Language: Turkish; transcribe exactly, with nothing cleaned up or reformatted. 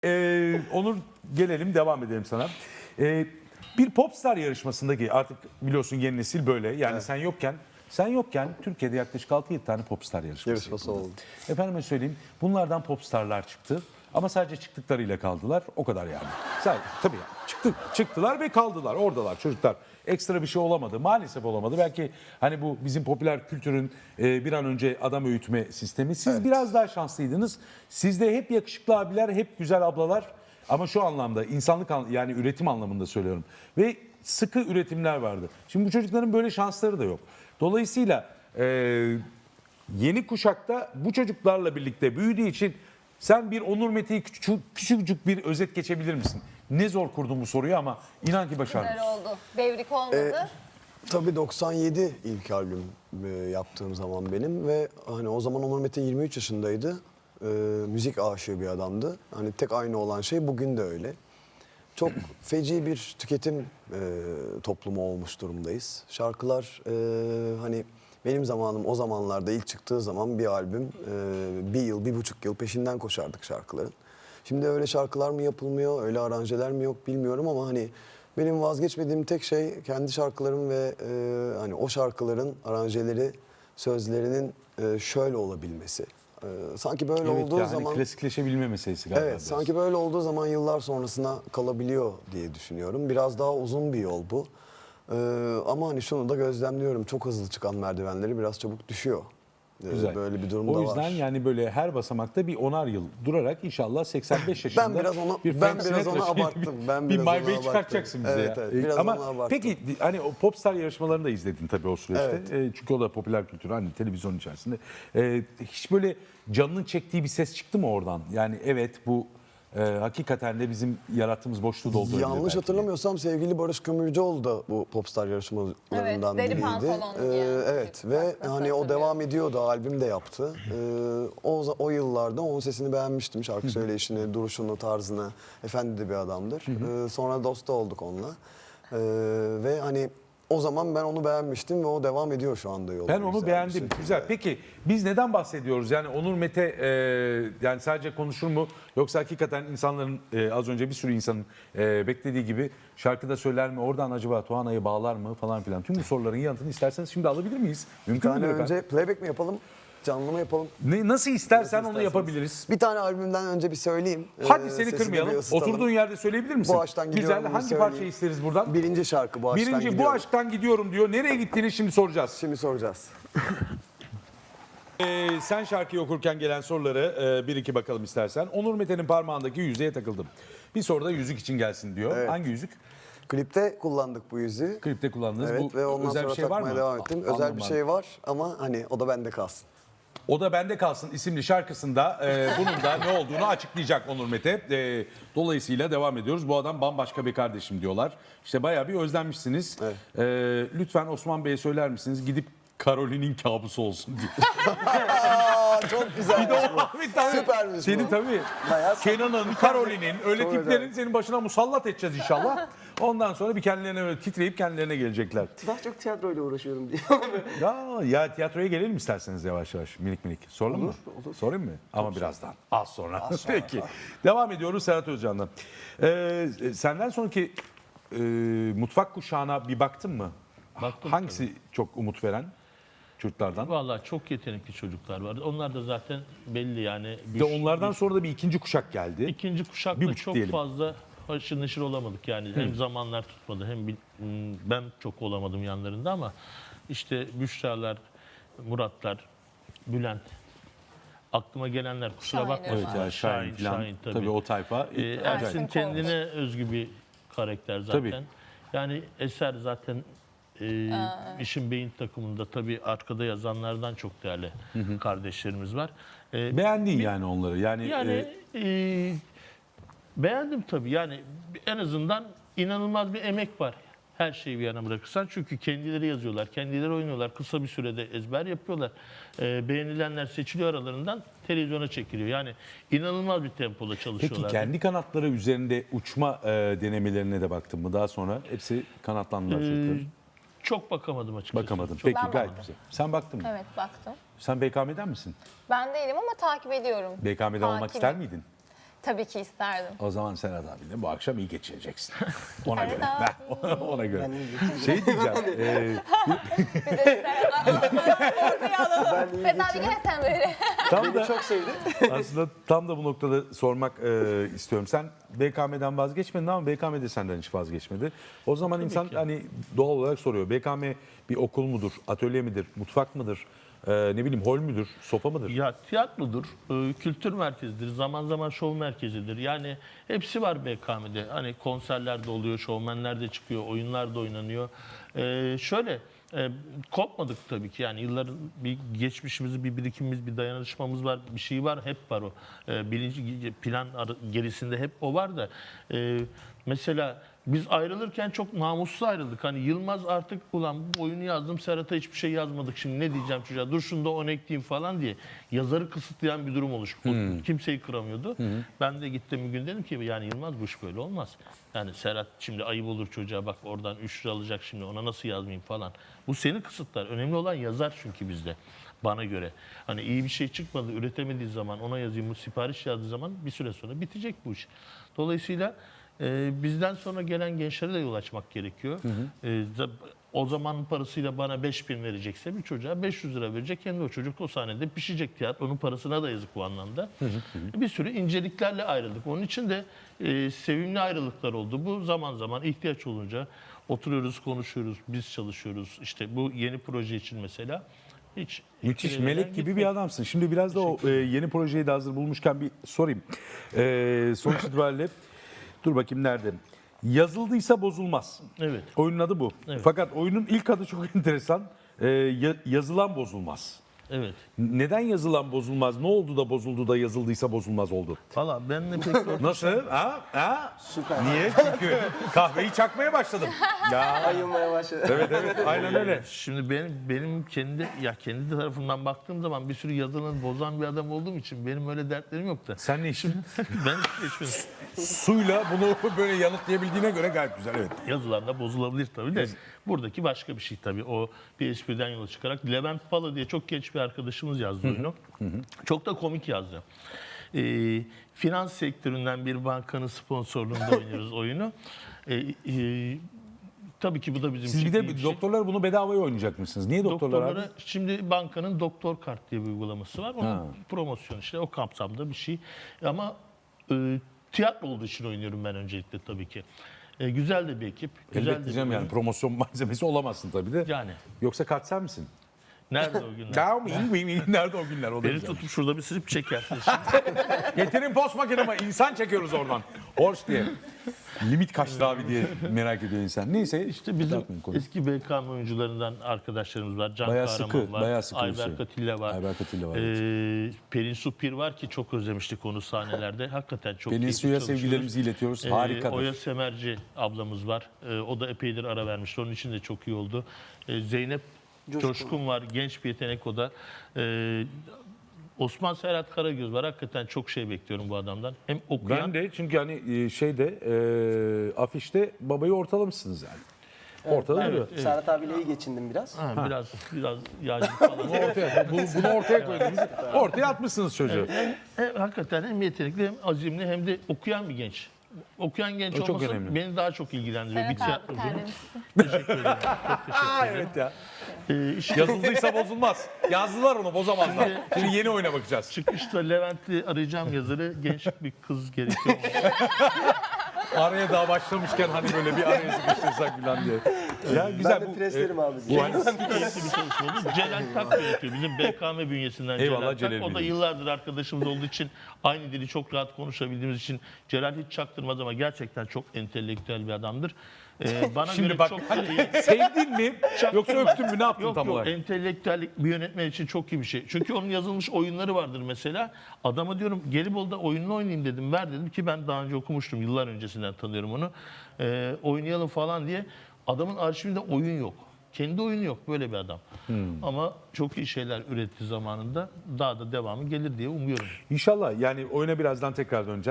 Ee, Onur, gelelim, devam edelim sana. Ee, bir popstar yarışmasındaki, artık biliyorsun yeni nesil böyle. Yani Evet. sen yokken sen yokken Türkiye'de yaklaşık altı yedi tane popstar yarışması, Yarışması yapıldı. oldu. Efendime söyleyeyim, bunlardan popstarlar çıktı. Ama sadece çıktıklarıyla kaldılar. O kadar yani. Sadece, tabii yani. Çıktı, çıktılar ve kaldılar. Oradalar çocuklar. Ekstra bir şey olamadı. Maalesef olamadı. Belki hani bu bizim popüler kültürün e, bir an önce adam öğütme sistemi. Siz Evet. biraz daha şanslıydınız. Sizde hep yakışıklı abiler, hep güzel ablalar. Ama şu anlamda, insanlık an- yani üretim anlamında söylüyorum. Ve sıkı üretimler vardı. Şimdi bu çocukların böyle şansları da yok. Dolayısıyla e, yeni kuşakta bu çocuklarla birlikte büyüdüğü için sen bir Onur Mete'yi küçük, küçücük bir özet geçebilir misin? Ne zor kurdun bu soruyu ama inan ki başardın. Güzel oldu. Devrik olmadı. Tabii doksan yedi ilk albüm e, yaptığım zaman benim ve hani o zaman Onur Mete yirmi üç yaşındaydı. E, müzik aşığı bir adamdı. Hani tek aynı olan şey bugün de öyle. Çok feci bir tüketim e, toplumu olmuş durumdayız. Şarkılar e, hani benim zamanım o zamanlarda ilk çıktığı zaman bir albüm e, bir yıl, bir buçuk yıl peşinden koşardık şarkıların. Şimdi öyle şarkılar mı yapılmıyor, öyle aranjeler mi yok bilmiyorum ama hani benim vazgeçmediğim tek şey kendi şarkılarım ve e, hani o şarkıların aranjeleri, sözlerinin e, şöyle olabilmesi. E, sanki böyle Evet, olduğu ya hani zaman klasikleşebilme meselesi galiba. evet biraz. sanki böyle olduğu zaman yıllar sonrasına kalabiliyor diye düşünüyorum. Biraz daha uzun bir yol bu. E, ama hani şunu da gözlemliyorum. Çok hızlı çıkan merdivenleri biraz çabuk düşüyor. E, Güzel. Böyle bir durum da O var. yüzden yani böyle her basamakta bir onar yıl durarak inşallah seksen beş yaşında Ben biraz onu- bir ben Frank biraz Sinatra onu şeyi, abarttım. Ben bir biraz My onu Way abarttım. çıkartacaksın bize Evet, ya. evet, Ee, biraz Ama onu abarttım. peki hani o popstar yarışmalarını da izledin tabii o süreçte. Evet. Ee, çünkü o da popüler kültür, hani televizyon içerisinde. Ee, hiç böyle canının çektiği bir ses çıktı mı oradan? Yani evet, bu e, hakikaten de bizim yarattığımız boşluğu doldurabilir Yanlış belki. hatırlamıyorsam sevgili Barış Kömürcüoğlu da bu popstar yarışmalarından Evet, deri biriydi. pantolon Ee, giyen evet çocuk. ve Bak, nasıl hani o hatırlıyorum. devam ediyordu, albüm de yaptı. Ee, o o yıllarda onun sesini beğenmiştim. Şarkı söyleyişini, duruşunu, tarzını. Efendi de bir adamdır. Ee, sonra dost da olduk onunla. Ee, ve hani o zaman ben onu beğenmiştim ve o devam ediyor şu anda yolda. Ben onu güzel bir beğendim. şekilde. Güzel. Peki biz neden bahsediyoruz? Yani Onur Mete e, yani sadece konuşur mu? Yoksa hakikaten insanların e, az önce bir sürü insanın e, beklediği gibi şarkıda söyler mi? Oradan acaba Tuana'yı bağlar mı falan filan. Tüm bu soruların yanıtını isterseniz şimdi alabilir miyiz? Bir Mümkün tane müdür efendim? önce playback mi yapalım? Canlı mı yapalım? Ne, nasıl istersen Nasıl onu isterseniz. yapabiliriz. Bir tane albümden önce bir söyleyeyim. Hadi Ee, seni sesi de bir kırmayalım. ısıtalım. Oturduğun yerde söyleyebilir misin? Bu aşktan gidiyorum, Güzel. bunu Hangi söyleyeyim. parçayı isteriz buradan? Birinci şarkı bu aşktan Birinci bu gidiyorum. aşktan gidiyorum diyor. Nereye gittiğini şimdi soracağız. Şimdi soracağız. Ee, sen şarkıyı okurken gelen soruları e, bir iki bakalım istersen. Onur Mete'nin parmağındaki yüzüğe takıldım. Bir soru da yüzük için gelsin diyor. Evet. Hangi yüzük? Klipte kullandık bu yüzüğü. Klipte kullandınız. Evet bu ve ondan özel sonra bir şey var takmaya mı? devam ettim. A- Özel bir anlam şey var ama hani o da bende kalsın. O da Bende Kalsın isimli şarkısında e, bunun da ne olduğunu açıklayacak Onur Mete. E, dolayısıyla devam ediyoruz. Bu adam bambaşka bir kardeşim diyorlar. İşte bayağı bir özlenmişsiniz. Evet. E, lütfen Osman Bey'e söyler misiniz? Gidip Karolin'in kabusu olsun diye. Aa çok güzel. Bir de o abi tabii. Süpermiş Senin bu. tabii. Bayağı Kenan'ın, Karolin'in öyle Çok tiplerin güzel. senin başına musallat edeceğiz inşallah. Ondan sonra bir kendilerine böyle titreyip kendilerine gelecekler. Daha çok tiyatroyla uğraşıyorum diye. Ya, ya tiyatroya gelelim isterseniz yavaş yavaş minik minik. Soralım mı? olur. Sorayım mı? Ama birazdan. Az sonra. Peki. Devam ediyoruz Serhat Özcan'dan. Ee, senden sonraki e, mutfak kuşağına bir baktın mı? Baktım Hangisi çok umut veren çocuklardan? Vallahi çok yetenekli çocuklar var. Onlar da zaten belli yani. Bir de onlardan sonra da bir ikinci kuşak geldi. İkinci Bir kuşakta buçuk çok diyelim. fazla haşır neşir olamadık yani. Hem zamanlar tutmadı hem bil- m, ben çok olamadım yanlarında ama işte Büşra'lar, Muratlar, Bülent. Aklıma gelenler kusura Şahin bakmasın. Evet ya Şahin, falan. tabii. o tayfa. Ee, acayip. Ersin Ersin kendine özgü bir karakter zaten. Tabii. Yani Eser zaten e, işin beyin takımında tabii arkada yazanlardan çok değerli kardeşlerimiz var. Ee, Beğendin yani onları. Yani, yani e, e, beğendim tabii. Yani en azından inanılmaz bir emek var. Her şeyi bir yana bırakırsan. Çünkü kendileri yazıyorlar, kendileri oynuyorlar. Kısa bir sürede ezber yapıyorlar. Ee, beğenilenler seçiliyor aralarından televizyona çekiliyor. Yani inanılmaz bir tempoda çalışıyorlar. peki kendi kanatları üzerinde uçma e, denemelerine de baktın mı? Daha sonra hepsi kanatlandılar Ee, çocukların. Çok bakamadım açıkçası. Bakamadım. Çok Peki Ben gayet bakmadım. güzel. Sen baktın mı? Evet, baktım. Sen B K M'den misin? Ben değilim ama takip ediyorum. B K M'den olmak Takibim. ister miydin? Tabii ki isterdim. O zaman Serhat abiyle bu akşam iyi geçireceksin. Ona Evet göre. abi. Ona göre. Şey diyeceğim. e, Ortaya alalım. Feda abi gel sen böyle. tam da Çok sevdi. aslında tam da bu noktada sormak e, istiyorum. Sen B K M'den vazgeçmedin ama B K M de senden hiç vazgeçmedi. O zaman insan ki. hani doğal olarak soruyor. B K M bir okul mudur, atölye midir, mutfak mıdır, e, ne bileyim hol müdür, sofa mıdır? Ya tiyatrodur, e, kültür merkezidir, zaman zaman şov merkezidir. Yani hepsi var B K M'de. Hani konserler de oluyor, şovmenler de çıkıyor, oyunlar da oynanıyor. E, şöyle, e, kopmadık tabii ki. Yani yılların bir geçmişimiz, bir birikimimiz, bir dayanışmamız var, bir şey var, hep var o. E, birinci plan ar- gerisinde hep o var da. E, mesela biz ayrılırken çok namussuz ayrıldık. Hani Yılmaz artık ulan bu oyunu yazdım, Serhat'a hiçbir şey yazmadık. Şimdi ne diyeceğim çocuğa? Dur şunu da on ekleyeyim falan diye. Yazarı kısıtlayan bir durum oluştu. O kimseyi kıramıyordu. Ben de gittim bir gün dedim ki yani Yılmaz bu iş böyle olmaz. Yani Serhat şimdi ayıp olur çocuğa, bak oradan üç lira alacak, şimdi ona nasıl yazmayayım falan. Bu seni kısıtlar. Önemli olan yazar çünkü bizde. Bana göre. Hani iyi bir şey çıkmadı, üretemediği zaman, ona yazayım, bu sipariş yazdığı zaman bir süre sonra bitecek bu iş. Dolayısıyla Ee, bizden sonra gelen gençlere de yol açmak gerekiyor. Ee, za- o zamanın parasıyla bana beş bin verecekse bir çocuğa beş yüz lira verecek. Kendi o çocuk o sahnede pişecek tiyatro. Onun parasına da yazık bu anlamda. Bir sürü inceliklerle ayrıldık. Onun için de e, sevimli ayrılıklar oldu. Bu zaman zaman ihtiyaç olunca oturuyoruz, konuşuyoruz, biz çalışıyoruz. İşte bu yeni proje için mesela. Hiç Müthiş, etkilemeden melek gibi gitmedik. bir adamsın. Şimdi biraz da o e, yeni projeyi de hazır bulmuşken bir sorayım. E, sonuç itibariyle dur bakayım nerede? Yazıldıysa bozulmaz. Evet. Oyunun adı bu. Evet. Fakat oyunun ilk adı çok enteresan. E, ya- yazılan bozulmaz. Evet. Neden yazılan bozulmaz? Ne oldu da bozuldu da yazıldıysa bozulmaz oldu? Valla benle pek ortak- Nasıl? Ha? Ha? Süper. Niye? Çünkü kahveyi çakmaya başladım. Ya. Ayılmaya başladı. Evet evet aynen öyle. Şimdi benim benim kendi ya kendi tarafımdan baktığım zaman bir sürü yazılını bozan bir adam olduğum için benim öyle dertlerim yok da. Sen ne işin? Ben hiç geçmedim. Suyla bunu böyle yanıtlayabildiğine göre gayet güzel evet. Yazılar da bozulabilir tabii de. Buradaki başka bir şey tabii. O bir espriden yola çıkarak Levent Pala diye çok genç bir arkadaşımız yazdı oyunu. Çok da komik yazdı. Ee, finans sektöründen bir bankanın sponsorluğunda oynuyoruz oyunu. Ee, e, tabii ki bu da bizim Siz bir için iyi de bir şey. doktorlar bunu bedavaya oynayacakmışsınız. Niye doktorlar abi? Doktorlara şimdi bankanın doktor kart diye bir uygulaması var. Onun Ha. promosyonu işte o kapsamda bir şey. Ama e, tiyatro olduğu için oynuyorum ben öncelikle tabii ki. E, güzel de bir ekip. Güzel de Elbette bir canım yani oyun. promosyon malzemesi olamazsın tabii de. Yani. Yoksa kart sen misin? Nerede o günler? Down, wing, wing, wing. Nerede o günler? O da Beni güzel. tutup şurada bir silip çekersiniz. Getirin post makinemi. İnsan çekiyoruz oradan. Horse diye. Limit kaçtı abi diye merak ediyor insan. Neyse İşte bizim dağıtmayın konuyu. eski B K M oyuncularından arkadaşlarımız var. Can Bayağı Kahraman sıkı, var. bayağı sıkı bir Ayber şey. Katilla var. Ayber Katilla var, Ee, Pelin Supir var ki çok özlemiştik onu sahnelerde. Hakikaten çok Pelin keyifli Su'ya çalışıyoruz. sevgilerimizi iletiyoruz. Ee, Harikadır. Oya Semerci ablamız var. Ee, o da epeydir ara vermişti. Onun için de çok iyi oldu. Ee, Zeynep Coşkun. Coşkun var. Genç bir yetenek o da. Ee, Osman Serhat Karagöz var. Hakikaten çok şey bekliyorum bu adamdan. Hem okuyan... Ben de çünkü hani e, şeyde e, afişte babayı ortalamışsınız yani. Ortada duruyor. evet. Serhat abiyle iyi geçindim biraz. Ha, biraz biraz yağcı falan. Bunu ortaya, bu- bunu ortaya koydunuz. Ortaya atmışsınız çocuğu. hem, hem hakikaten hem yetenekli hem azimli hem de okuyan bir genç. Okuyan genç O çok olması önemli. beni daha çok ilgilendiriyor. Bir Serhat abi tiyatrocunun. terlemişsin. Teşekkür ederim. Çok teşekkür ederim. Evet ya. Ee, işte Yazıldıysa bozulmaz. Yazdılar onu bozamazlar. Şimdi yeni oyuna bakacağız. çıkışta Levent'i arayacağım yazarı. Genç bir kız gerekiyor. Araya daha başlamışken hani böyle bir araya sıkıştırsak falan diye. Ya güzel Ben de bu. preslerim e, abi. bu hani- Keyifli bir çalışma oldu. Celal Tak yönetiyor. Bizim B K M bünyesinden Eyvallah Celal Tak. Celal O da Bey. yıllardır arkadaşımız olduğu için aynı dili çok rahat konuşabildiğimiz için Celal hiç çaktırmaz ama gerçekten çok entelektüel bir adamdır. Ee, bana Şimdi göre bak çok hani sevdin mi yoksa öptün mü ne yaptın Yok tam yok olarak? entelektüellik bir yönetmen için çok iyi bir şey. Çünkü onun yazılmış oyunları vardır mesela. Adama diyorum Gelibolu'da oyununu oynayayım dedim. Ver dedim ki ben daha önce okumuştum. Yıllar öncesinden tanıyorum onu. Ee, oynayalım falan diye. Adamın arşivinde oyun yok. Kendi oyunu yok. Böyle bir adam. Ama çok iyi şeyler üretti zamanında. Daha da devamı gelir diye umuyorum. İnşallah yani oyuna birazdan tekrar döneceğiz.